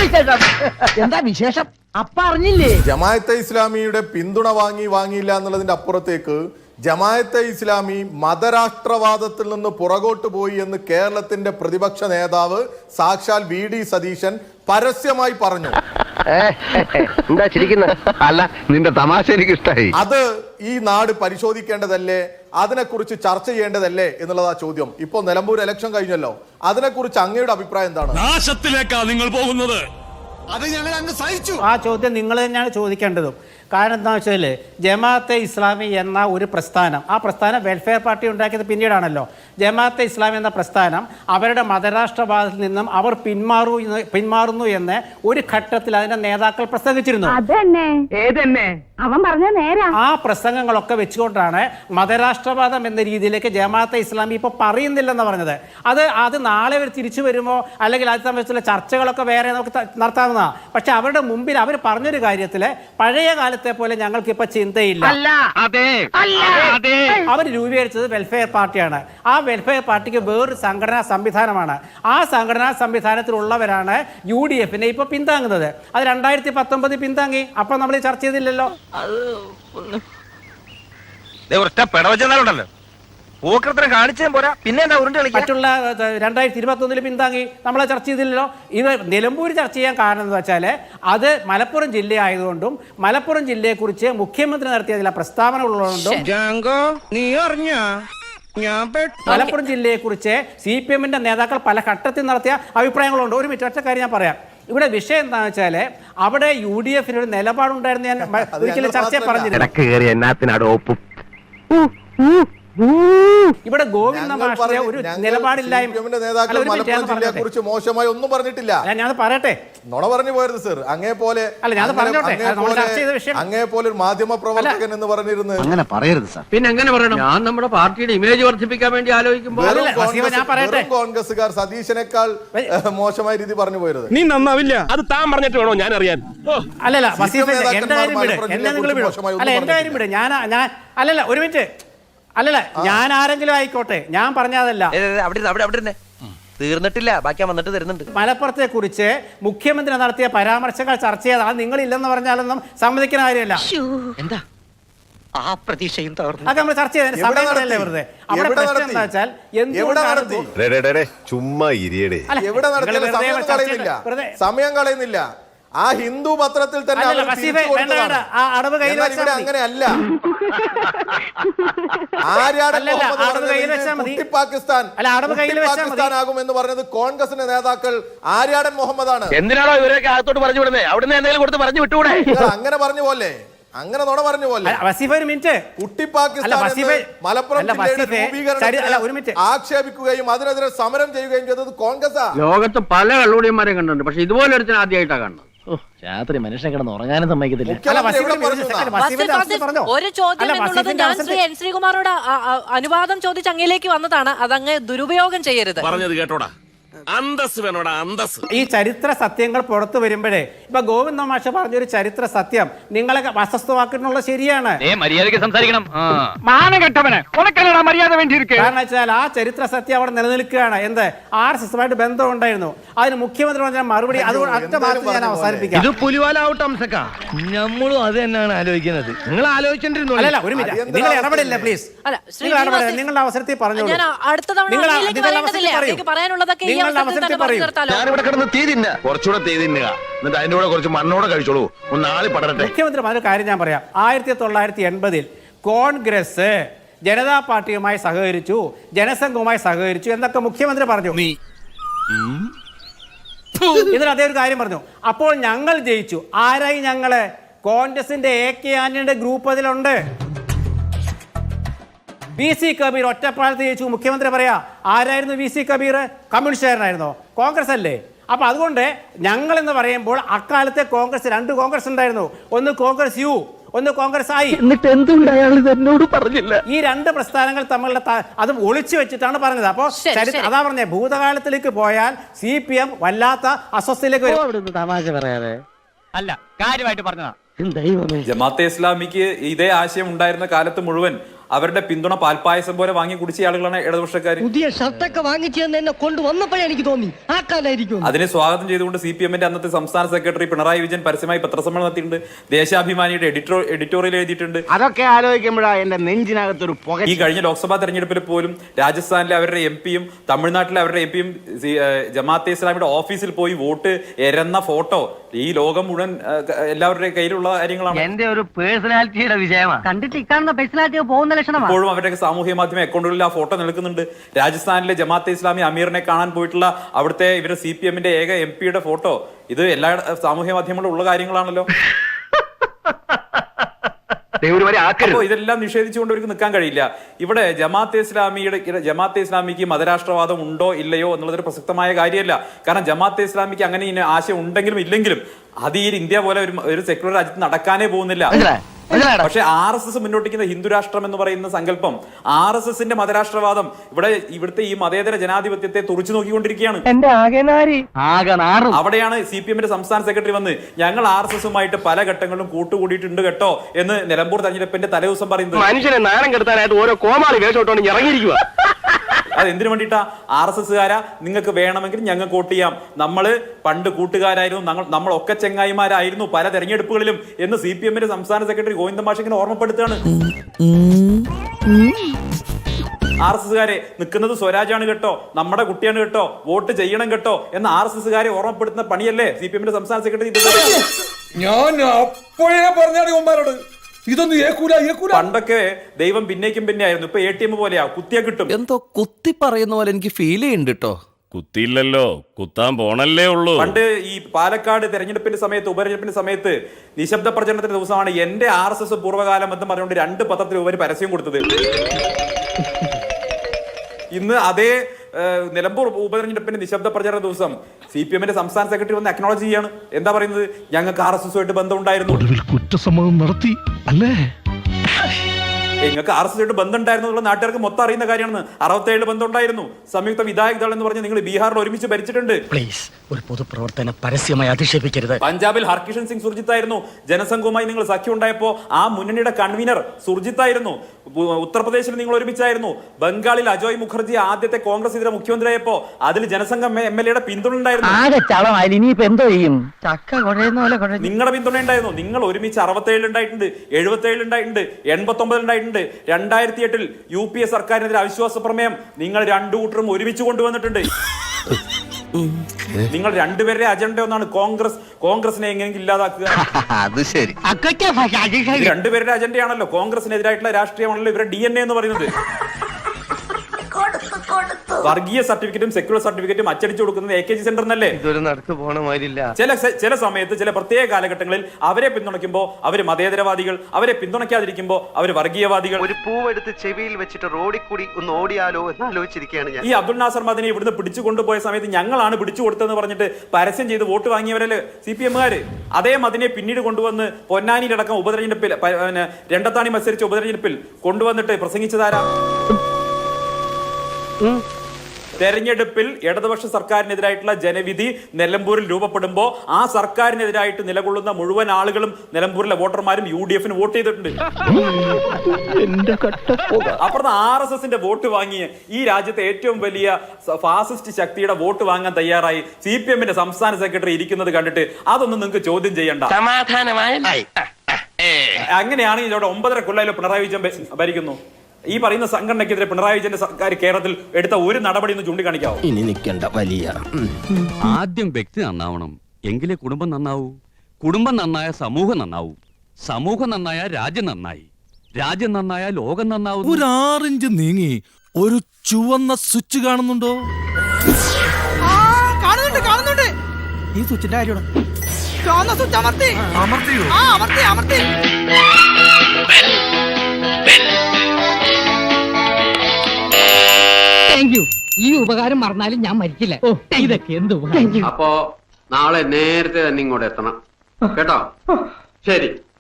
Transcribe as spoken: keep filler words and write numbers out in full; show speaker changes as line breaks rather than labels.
എന്താ വിശേഷം? അപ്പ അറിഞ്ഞില്ലേ?
ജമാഅത്തെ ഇസ്ലാമിയുടെ പിന്തുണ വാങ്ങി വാങ്ങിയില്ല എന്നുള്ളതിന്റെ അപ്പുറത്തേക്ക് ജമാഅത്തെ ഇസ്ലാമി മതരാഷ്ട്രവാദത്തിൽ നിന്ന് പുറകോട്ട് പോയി എന്ന് കേരളത്തിന്റെ പ്രതിപക്ഷ നേതാവ് സാക്ഷാൽ വി ഡി സതീശൻ പരസ്യമായി പറഞ്ഞു.
എന്താ ചിരിക്കുന്നത്? അല്ല, നിന്റെ തമാശ എനിക്ക് ഇഷ്ടമായി.
അത് ഈ നാട് പരിശോധിക്കേണ്ടതല്ലേ, അതിനെക്കുറിച്ച് ചർച്ച ചെയ്യേണ്ടതല്ലേ എന്നുള്ളതാ ചോദ്യം. ഇപ്പൊ നിലമ്പൂർ ഇലക്ഷൻ കഴിഞ്ഞല്ലോ, അതിനെക്കുറിച്ച് അങ്ങയുടെ അഭിപ്രായം എന്താണ്?
നാശത്തിലേക്കാ നിങ്ങൾ പോകുന്നത്.
അത് ഞങ്ങൾ അങ്ങ് സഹിച്ചു.
ആ ചോദ്യം നിങ്ങൾ തന്നെയാണ് ചോദിക്കേണ്ടതും. കാരണം എന്താ വെച്ചാൽ ജമാഅത്തെ ഇസ്ലാമി എന്ന ഒരു പ്രസ്ഥാനം, ആ പ്രസ്ഥാനം വെൽഫെയർ പാർട്ടി ഉണ്ടാക്കിയത് പിന്നീടാണല്ലോ. ജമാഅത്തെ ഇസ്ലാമി എന്ന പ്രസ്ഥാനം അവരുടെ മതരാഷ്ട്രവാദത്തിൽ നിന്നും അവർ പിന്മാറൂ പിന്മാറുന്നു എന്ന് ഒരു ഘട്ടത്തിൽ അതിന്റെ നേതാക്കൾ പ്രസംഗിച്ചിരുന്നു.
അവൻ പറഞ്ഞ നേരാ.
ആ പ്രസംഗങ്ങളൊക്കെ വെച്ചുകൊണ്ടാണ് മതരാഷ്ട്രവാദം എന്ന രീതിയിലേക്ക് ജമാഅത്തെ ഇസ്ലാമി ഇപ്പോൾ പറയുന്നില്ലെന്ന് പറഞ്ഞത്. അത് അത് നാളെ അവർ തിരിച്ചു വരുമോ അല്ലെങ്കിൽ അത് സംബന്ധിച്ചുള്ള ചർച്ചകളൊക്കെ വേറെ നമുക്ക് നടത്താവുന്നതാണ്. പക്ഷെ അവരുടെ മുമ്പിൽ അവർ പറഞ്ഞൊരു കാര്യത്തിൽ പഴയ കാലത്തെ പോലെ ഞങ്ങൾക്ക് ഇപ്പൊ ചിന്തയില്ല. അവർ രൂപീകരിച്ചത് വെൽഫെയർ പാർട്ടിയാണ്. ആ വെൽഫെയർ പാർട്ടിക്ക് വേറൊരു സംഘടനാ സംവിധാനമാണ്. ആ സംഘടനാ സംവിധാനത്തിലുള്ളവരാണ് യു ഡി എഫിനെ ഇപ്പൊ പിന്താങ്ങുന്നത്. അത് രണ്ടായിരത്തി പത്തൊമ്പതിൽ പിന്താങ്ങി. അപ്പൊ നമ്മൾ ചർച്ച ചെയ്തില്ലല്ലോ. മറ്റുള്ള രണ്ടായിരത്തി ഇരുപത്തി ഒന്നില് പിന്താങ്ങി നമ്മളെ ചർച്ച ചെയ്തില്ലല്ലോ. ഇത് നിലമ്പൂർ ചർച്ച ചെയ്യാൻ കാരണം എന്ന് വെച്ചാൽ അത് മലപ്പുറം ജില്ല ആയതുകൊണ്ടും മലപ്പുറം ജില്ലയെ കുറിച്ച് മുഖ്യമന്ത്രി നടത്തിയ ചില പ്രസ്താവനകളുള്ളതുകൊണ്ടും മലപ്പുറം ജില്ലയെ കുറിച്ച് സി പി എമ്മിന്റെ നേതാക്കൾ പല ഘട്ടത്തിൽ നടത്തിയ അഭിപ്രായങ്ങളുണ്ട്. ഒരു മിനിറ്റ്, ഒറ്റ കാര്യം ഞാൻ പറയാം. ഇവിടെ വിഷയം എന്താണെന്ന് വെച്ചാൽ അവിടെ യു ഡി എഫിന് ഒരു നിലപാടുണ്ടായിരുന്നു. ഞാൻ ഒരിക്കലും ചർച്ചയെ പറഞ്ഞില്ല. ഇവിടെ ഗോവിന്ദ മാഷിന്റെ ഒരു നിലപാടില്ലായ്മ
മോശമായി ഒന്നും പറഞ്ഞിട്ടില്ല.
ഞാൻ പറയട്ടെ,
നുണ പറഞ്ഞു പോയത് സർ. അങ്ങേ പോലെ
അല്ല, ഞാൻ പറഞ്ഞോട്ടെ,
അങ്ങേ പോലെ ഒരു മാധ്യമ പ്രവർത്തകൻ എന്ന് പറഞ്ഞിരുന്നു.
അങ്ങനെ പറയരുത് സാർ. പിന്നെ എങ്ങനെ പറയണം? ഞാൻ നമ്മുടെ പാർട്ടിയുടെ ഇമേജ് വർദ്ധിപ്പിക്കാൻ വേണ്ടി ആലോചിക്കുമ്പോൾ
കോൺഗ്രസ്സുകാർ സതീശനേക്കാൾ മോശമായ രീതി പറഞ്ഞു പോയത്.
നീ നന്നാവില്ല. അത് താൻ പറഞ്ഞിട്ട് വേണോ ഞാൻ അറിയാൻ?
അല്ലല്ല വസീഫെ, എന്റെ കാര്യം വിട്, എന്നെ നിങ്ങൾ വിടും. അല്ല, എന്റെ കാര്യം വിട്. ഞാൻ ഞാൻ അല്ലല്ല ഒരു മിനിറ്റ് അല്ലല്ല ഞാൻ ആരെങ്കിലും ആയിക്കോട്ടെ, ഞാൻ പറഞ്ഞതല്ല.
തീർന്നിട്ടില്ല, ബാക്കി വന്നിട്ട് തരുന്നുണ്ട്.
മലപ്പുറത്തെ കുറിച്ച് മുഖ്യമന്ത്രി നടത്തിയ പരാമർശങ്ങൾ ചർച്ച ചെയ്താൽ അത് നിങ്ങളില്ലെന്ന് പറഞ്ഞാലൊന്നും സമ്മതിക്കുന്ന കാര്യമല്ല.
എന്താ ആ പ്രതീക്ഷയും
അതൊക്കെ നമ്മൾ ചർച്ച ചെയ്തതിന് സമയങ്ങളല്ലേ വെറുതെ. അവിടെ പ്രശ്നം എന്താ വെച്ചാൽ
ചുമ്മാ സമയം കളയുന്നില്ല. ആ ഹിന്ദു പത്രത്തിൽ തന്നെ അങ്ങനെയല്ല. പാകിസ്ഥാനാകുമെന്ന് പറഞ്ഞത് കോൺഗ്രസിന്റെ നേതാക്കൾ ആര്യാടൻ മുഹമ്മദാണ്.
എന്തിനാണോ ഇവരൊക്കെ അകത്തോട്ട് പറഞ്ഞു വിടുന്നത്? അവിടുന്ന് എന്തെങ്കിലും കൊടുത്ത് പറഞ്ഞു വിട്ടുകൂടെ?
അങ്ങനെ പറഞ്ഞു പോലെ, അങ്ങനെ നുണ പറഞ്ഞു പോലെ. കുട്ടി പാകിസ്ഥാൻ മലപ്പുറം ആക്ഷേപിക്കുകയും അതിനെതിരെ സമരം ചെയ്യുകയും ചെയ്തത് കോൺഗ്രസ്.
ലോകത്ത് പല കള്ളുടിയന്മാരെയും കണ്ടിട്ടുണ്ട്, പക്ഷെ ഇതുപോലെ ഒരു ആദ്യമായിട്ടാണ് കാണുന്നത്. രാത്രി മനുഷ്യനെ കിടന്ന് ഉറങ്ങാനും സമ്മതിക്കത്തില്ല.
ഒരു ചോദ്യം എന്നുള്ളത് ഞാൻ ശ്രീ എൻ ശ്രീകുമാറോട് അനുവാദം ചോദിച്ച് അങ്ങയിലേക്ക് വന്നതാണ്. അതങ്ങ് ദുരുപയോഗം ചെയ്യരുത്.
പറഞ്ഞത് കേട്ടോടാ, അന്തസ് വേണോടാ, അന്തസ്.
ഈ ചരിത്ര സത്യങ്ങൾ പുറത്തു വരുമ്പോഴേ ഇപ്പൊ ഗോവിന്ദ മാഷ പറഞ്ഞൊരു ചരിത്ര സത്യം നിങ്ങളെ അസ്വസ്ഥമാക്കുന്നുള്ള ശരിയാണ്.
മര്യാദയ്ക്ക് സംസാരിക്കണം.
കാരണം വെച്ചാൽ ആ ചരിത്ര സത്യം അവിടെ നിലനിൽക്കുകയാണ്. എന്ത് ആർ എസ് എസുമായിട്ട് ബന്ധം ഉണ്ടായിരുന്നു. അതിന് മുഖ്യമന്ത്രി പറഞ്ഞ മറുപടി അതുകൊണ്ട് ഒറ്റ മാത്രം ഞാൻ അവസാനിപ്പിക്കാം.
നമ്മളും അത് തന്നെയാണ് ആലോചിക്കുന്നത്. നിങ്ങൾ ആലോചിച്ചിരുന്നു.
അല്ല ഒരു മിനിറ്റ്, നിങ്ങൾ ഇടപെടില്ല പ്ലീസ്. നിങ്ങളുടെ അവസരത്തിൽ പറഞ്ഞു. മുഖ്യമന്ത്രി പറഞ്ഞ കാര്യം ഞാൻ പറയാം. ആയിരത്തി തൊള്ളായിരത്തി എൺപതിൽ കോൺഗ്രസ് ജനതാ പാർട്ടിയുമായി സഹകരിച്ചു, ജനസംഘവുമായി സഹകരിച്ചു എന്നൊക്കെ മുഖ്യമന്ത്രി പറഞ്ഞു. ഇതിൽ അതേ ഒരു കാര്യം പറഞ്ഞു. അപ്പോൾ ഞങ്ങൾ ജയിച്ചു. ആരായി ഞങ്ങള്? കോൺഗ്രസിന്റെ എ കെ ആന്റണിയുടെ ഗ്രൂപ്പ് അതിലുണ്ട്. വി സി കബീർ ഒറ്റപ്പാലത്ത് ജയിച്ചു. മുഖ്യമന്ത്രി പറയാ ആരായിരുന്നു വി സി കബീർ? കമ്മ്യൂണിസ്റ്റുകാരനായിരുന്നോ? കോൺഗ്രസ് അല്ലേ? അപ്പൊ അതുകൊണ്ട് ഞങ്ങൾ എന്ന് പറയുമ്പോൾ അക്കാലത്തെ കോൺഗ്രസ് രണ്ട് കോൺഗ്രസ് ഉണ്ടായിരുന്നു. ഒന്ന് കോൺഗ്രസ് യു, ഒന്ന് കോൺഗ്രസ് ആയി.
എന്നിട്ട് എന്തുകൊണ്ട് അയാൾ എന്നോട് പറഞ്ഞില്ല?
ഈ രണ്ട് പ്രസ്ഥാനങ്ങൾ തമ്മിലുള്ള അത് ഒളിച്ചു വെച്ചിട്ടാണ് പറഞ്ഞത്. അപ്പോ അതാ പറഞ്ഞേ, ഭൂതകാലത്തിലേക്ക് പോയാൽ സി പി എം വല്ലാത്ത അസ്വസ്ഥയിലേക്ക് വരും.
തമാശ പറയാതെ
അല്ല, കാര്യമായിട്ട് പറഞ്ഞതാ.
ജമാഅത്തെ ഇസ്ലാമിക്ക് ഇതേ ആശയം ഉണ്ടായിരുന്ന കാലത്ത് മുഴുവൻ
അവരുടെ പിന്തുണ പാൽപ്പായസം പോലെ വാങ്ങി കുടിച്ച ആളുകളാണ് ഇടതുപക്ഷക്കാർ.
പുതിയ ഷർട്ടൊക്കെ വാങ്ങിച്ചു എന്നെ കൊണ്ടുവന്നപ്പോഴേ എനിക്ക് തോന്നി ആ കാലായിരിക്കും.
അതിനെ സ്വാഗതം ചെയ്തുകൊണ്ട് സി പി എമ്മിന്റെ അന്നത്തെ സംസ്ഥാന സെക്രട്ടറി പിണറായി വിജയൻ പരസ്യമായി പത്രസമ്മേളനം നടത്തിയിട്ടുണ്ട്. ദേശാഭിമാനിയുടെ എഡിറ്റോ എഡിറ്റോറിയൽ എഴുതിയിട്ടുണ്ട്.
അതൊക്കെ ആലോചിക്കുമ്പോഴാണ് എന്റെ നെഞ്ചിനകത്തൊരു പുക.
ഈ കഴിഞ്ഞ ലോക്സഭാ തെരഞ്ഞെടുപ്പിൽ പോലും രാജസ്ഥാനിലെ അവരുടെ എം പിയും തമിഴ്നാട്ടിലെ അവരുടെ എം പിയും ജമാഅത്തെ ഇസ്ലാമിയുടെ ഓഫീസിൽ പോയി വോട്ട് എരന്ന ഫോട്ടോ ഈ ലോകം മുഴുവൻ എല്ലാവരുടെ കയ്യിലുള്ള കാര്യങ്ങളാണ്.
എന്റെ ഒരു പേഴ്സണാലിറ്റിയുടെ വിജയമാണ്.
കണ്ടിട്ട് ഇക്കാണുന്ന പേഴ്സണാലിറ്റി പോകുന്ന ലക്ഷണമാണ്.
ഇപ്പോഴും അവരുടെ സാമൂഹ്യ മാധ്യമ അക്കൗണ്ടുകളിൽ ആ ഫോട്ടോ നിൽക്കുന്നുണ്ട്. രാജസ്ഥാനിലെ ജമാഅത്തെ ഇസ്ലാമി അമീറിനെ കാണാൻ പോയിട്ടുള്ള അവിടുത്തെ ഇവരുടെ സി പി എമ്മിന്റെ ഏക എം പിയുടെ ഫോട്ടോ, ഇത് എല്ലാ സാമൂഹ്യ മാധ്യമങ്ങളിലും ഉള്ള കാര്യങ്ങളാണല്ലോ. അപ്പോ ഇതെല്ലാം നിഷേധിച്ചുകൊണ്ട് അവർക്ക് നിൽക്കാൻ കഴിയില്ല. ഇവിടെ ജമാഅത്തെ ഇസ്ലാമിയുടെ ജമാഅത്തെ ഇസ്ലാമിക്ക് മതരാഷ്ട്രവാദം ഉണ്ടോ ഇല്ലയോ എന്നുള്ളതൊരു പ്രസക്തമായ കാര്യമല്ല. കാരണം ജമാഅത്തെ ഇസ്ലാമിക്ക് അങ്ങനെ ആശയം ഉണ്ടെങ്കിലും ഇല്ലെങ്കിലും അത് ഈ ഇന്ത്യ പോലെ ഒരു സെക്യുലർ രാജ്യത്ത് നടക്കാനേ പോകുന്നില്ല. പക്ഷെ ആർ എസ് എസ് മുന്നോട്ടിക്കുന്ന ഹിന്ദു രാഷ്ട്രം എന്ന് പറയുന്ന സങ്കല്പം, ആർ എസ് എസിന്റെ മതരാഷ്ട്രവാദം ഇവിടെ ഇവിടുത്തെ ഈ മതേതര ജനാധിപത്യത്തെ തുറച്ചു നോക്കിക്കൊണ്ടിരിക്കുകയാണ്. അവിടെയാണ് സി പി എമ്മിന്റെ സംസ്ഥാന സെക്രട്ടറി വന്ന് ഞങ്ങൾ ആർ എസ് എസുമായിട്ട് പല ഘട്ടങ്ങളിലും കൂട്ടുകൂടിയിട്ടുണ്ട് കേട്ടോ എന്ന് നിലമ്പൂർ തെരഞ്ഞെടുപ്പിന്റെ തലേദിവസം പറയുന്നത്.
മനുഷ്യനെ നാണം കെടുത്താനായിട്ട് ഓരോ കോമാളി വേഷോട്ടോണ്ട് ഇറങ്ങിയിരിക്കുക.
അത് എന്തിനു വേണ്ടിയിട്ടാ? ആർ എസ് എസ്സുകാരാ, നിങ്ങൾക്ക് വേണമെങ്കിൽ ഞങ്ങൾക്ക് വോട്ട് ചെയ്യാം, നമ്മള് പണ്ട് കൂട്ടുകാരായിരുന്നു, നമ്മളൊക്കെ ചെങ്ങായിമാരായിരുന്നു പല തെരഞ്ഞെടുപ്പുകളിലും എന്ന് സി പി എമ്മിന്റെ സംസ്ഥാന സെക്രട്ടറി ഗോവിന്ദ മാഷ് ഇങ്ങനെ ഓർമ്മപ്പെടുത്തുകയാണ്. ആർ എസ് എസ്സുകാരെ നിൽക്കുന്നത് സ്വരാജാണ് കേട്ടോ, നമ്മുടെ കുട്ടിയാണ് കേട്ടോ, വോട്ട് ചെയ്യണം കേട്ടോ എന്ന് ആർ എസ് എസ്സുകാരെ ഓർമ്മപ്പെടുത്തുന്ന പണിയല്ലേ സി പി എമ്മിന്റെ സംസ്ഥാന സെക്രട്ടറി?
ഞാൻ അപ്പോഴേ പറഞ്ഞാണ് ഇതൊന്നും ഏക്കൂല ഏക്കൂല.
പണ്ടൊക്കെ ദൈവം പിന്നേക്കും പിന്നെ ആയിരുന്നു, ഇപ്പൊ എ ടി എം പോലെയാ, കുത്തിയാ കിട്ടും.
എന്തോ കുത്തി പറയുന്ന പോലെ എനിക്ക് ഫീൽ ചെയ്യുന്നുണ്ട് കേട്ടോ.
കുത്തിയില്ലല്ലോ, കുത്താൻ പോണല്ലേ ഉള്ളൂ.
പണ്ട് ഈ പാലക്കാട് തെരഞ്ഞെടുപ്പിന്റെ സമയത്ത് ഉപതെരഞ്ഞെടുപ്പിന്റെ സമയത്ത് നിശബ്ദ പ്രചരണത്തിന്റെ ദിവസമാണ് എന്റെ ആർ എസ് എസ് പൂർവ്വകാലം എന്ന് പറഞ്ഞുകൊണ്ട് രണ്ട് പത്രത്തിൽ ഉപരി പരസ്യം കൊടുത്തത്. ഇന്ന് അതേ നിലമ്പൂർ ഉപതെരഞ്ഞെടുപ്പിന്റെ നിശബ്ദ പ്രചരണ ദിവസം സി പി എമ്മിന്റെ സംസ്ഥാന സെക്രട്ടറി വന്ന് അക്നോളജ് ചെയ്യാണ്. എന്താ പറയുന്നത്? ഞങ്ങൾക്ക് ആർ എസ് എസുമായിട്ട് ബന്ധമുണ്ടായിരുന്നു.
കുറ്റസമ്മതം നടത്തി അല്ലേ?
നിങ്ങൾക്ക് ആർ എസ് എസുമായിട്ട് ബന്ധം ഉണ്ടായിരുന്നു എന്നുള്ള നാട്ടുകാർക്ക് മൊത്തം അറിയുന്ന കാര്യമാണ്. അറുപത്തേഴില് ബന്ധം ഉണ്ടായിരുന്നു. സംയുക്ത വിധായക് ദൾ എന്ന് പറഞ്ഞ് നിങ്ങൾ ബീഹാറിൽ ഒരുമിച്ച് ഭരിച്ചിട്ടുണ്ട്.
പ്ലീസ് ഒരു പൊതുപ്രവർത്തനം പരസ്യമായി അധിക്ഷേപിക്കരുത്.
പഞ്ചാബിൽ ഹർകിഷൻ സിംഗ് സുർജിത്ത് ആയിരുന്നു. ജനസംഘവുമായി നിങ്ങൾ സഖ്യം ഉണ്ടായപ്പോ ആ മുന്നണിയുടെ കൺവീനർ സുർജിത്ത് ആയിരുന്നു. ഉത്തർപ്രദേശിൽ നിങ്ങൾ ഒരുമിച്ചായിരുന്നു. ബംഗാളിൽ അജോയ് മുഖർജി ആദ്യത്തെ കോൺഗ്രസ് ഇതര മുഖ്യമന്ത്രിയായപ്പോ അതിൽ ജനസംഘം എം എൽ എയുടെ പിന്തുണ ഉണ്ടായിരുന്നു. നിങ്ങളുടെ പിന്തുണ ഉണ്ടായിരുന്നു. നിങ്ങൾ ഒരുമിച്ച് അറുപത്തേഴിൽ ഉണ്ടായിട്ടുണ്ട്, എഴുപത്തേഴിൽ ഉണ്ടായിട്ടുണ്ട്, എൺപത്തി ഒമ്പതിൽ ഉണ്ടായിട്ടുണ്ട്. രണ്ടായിരത്തി എട്ടിൽ യു പി എ സർക്കാരിനെതിരെ അവിശ്വാസ പ്രമേയം നിങ്ങൾ രണ്ടു കൂട്ടരും ഒരുമിച്ച് കൊണ്ടുവന്നിട്ടുണ്ട്. നിങ്ങൾ രണ്ടുപേരുടെ അജണ്ട ഒന്നാണ് കോൺഗ്രസ് കോൺഗ്രസിനെ എങ്ങനെയെങ്കിലും ഇല്ലാതാക്കുക.
അത് ശരി,
രണ്ടുപേരുടെ അജണ്ടയാണല്ലോ, കോൺഗ്രസിനെതിരായിട്ടുള്ള രാഷ്ട്രീയമാണല്ലോ ഇവരുടെ ഡി എൻ എ എന്ന് പറയുന്നത്. വർഗീയ സർട്ടിഫിക്കറ്റും സെക്യുലർ സർട്ടിഫിക്കറ്റും അച്ചടിച്ചു കൊടുക്കുന്നത് എ കെ ജി സെന്റർ എന്നല്ലേ? ചില ചില സമയത്ത് ചില പ്രത്യേക കാലഘട്ടങ്ങളിൽ അവരെ പിന്തുണയ്ക്കുമ്പോൾ അവര് മതേതരവാദികൾ, അവരെ പിന്തുണയ്ക്കാതിരിക്കുമ്പോൾ അവര് വർഗീയവാദികൾ.
ഒരു പൂവെടുത്ത് ചെവിയിൽ വെച്ചിട്ട് റോഡിൽ കൂടി ഒന്ന് ഓടിയാലോ എന്ന് ആലോചിച്ചിരിക്കുകയാണ് ഞാൻ.
ഈ അബ്ദുൾ നാസർ മദനി ഇവിടുന്ന് പിടിച്ചു കൊണ്ടുപോയ സമയത്ത് ഞങ്ങളാണ് പിടിച്ചു കൊടുത്തതെന്ന് പറഞ്ഞിട്ട് പരസ്യം ചെയ്ത് വോട്ട് വാങ്ങിയവരല്ലേ സി പി എമ്മുകാര്. അതേ മദിനെ പിന്നീട് കൊണ്ടുവന്ന് പൊന്നാനിയിലടക്കം ഉപതെരഞ്ഞെടുപ്പിൽ രണ്ടത്താണി മത്സരിച്ച ഉപതെരഞ്ഞെടുപ്പിൽ കൊണ്ടുവന്നിട്ട് പ്രസംഗിച്ചതാരാ? തെരഞ്ഞെടുപ്പിൽ ഇടതുപക്ഷ സർക്കാരിനെതിരായിട്ടുള്ള ജനവിധി നിലമ്പൂരിൽ രൂപപ്പെടുമ്പോൾ ആ സർക്കാരിനെതിരായിട്ട് നിലകൊള്ളുന്ന മുഴുവൻ ആളുകളും നിലമ്പൂരിലെ വോട്ടർമാരും യു ഡി എഫിന് വോട്ട് ചെയ്തിട്ടുണ്ട്. അപ്പുറത്ത് ആർ എസ് എസിന്റെ വോട്ട് വാങ്ങിയ ഈ രാജ്യത്തെ ഏറ്റവും വലിയ ഫാസിസ്റ്റ് ശക്തിയുടെ വോട്ട് വാങ്ങാൻ തയ്യാറായി സി പി എമ്മിന്റെ സംസ്ഥാന സെക്രട്ടറി ഇരിക്കുന്നത് കണ്ടിട്ട് അതൊന്നും നിങ്ങൾക്ക് ചോദ്യം ചെയ്യണ്ട. അങ്ങനെയാണെങ്കിൽ ഇവിടെ ഒമ്പതര കൊല്ലം പിണറായി വിജയൻ ഭരിക്കുന്നു. ഈ പറയുന്ന സംഘടനയ്ക്കെതിരെ പിണറായി വിജയന്റെ സർക്കാർ കേരളത്തിൽ എടുത്ത ഒരു നടപടി ഒന്ന് ചൂണ്ടിക്കാണിക്കാവോ?
ഇനി നിൽക്കേണ്ട വലിയ
ആദ്യം വ്യക്തി നന്നാവണം, എങ്കിലേ കുടുംബം നന്നാവൂ. കുടുംബം നന്നായ സമൂഹം നന്നാവൂ. സമൂഹം നന്നായ രാജ്യം നന്നായി. രാജ്യം നന്നായ ലോകം നന്നാവും.
ഒരു ആറിഞ്ച് നീങ്ങി ഒരു ചുവന്ന സ്വിച്ച് കാണുന്നുണ്ടോ?
കാണുന്നുണ്ട് കാണുന്നുണ്ട്. ഈ സ്വിച്ചിന്റെ കാര്യമാണ്. ചുവന്ന സ്വിച്ച് അമർത്തി
അമർത്തിയോ?
ആ അമർത്തി അമർത്തി. ഈ ഉപകാരം മറന്നാലും ഞാൻ മരിക്കില്ല. ഇതൊക്കെ എന്ത്
അപ്പോ നാളെ നേരത്തെ തന്നെ ഇങ്ങോട്ട് എത്തണം കേട്ടോ? ശരി.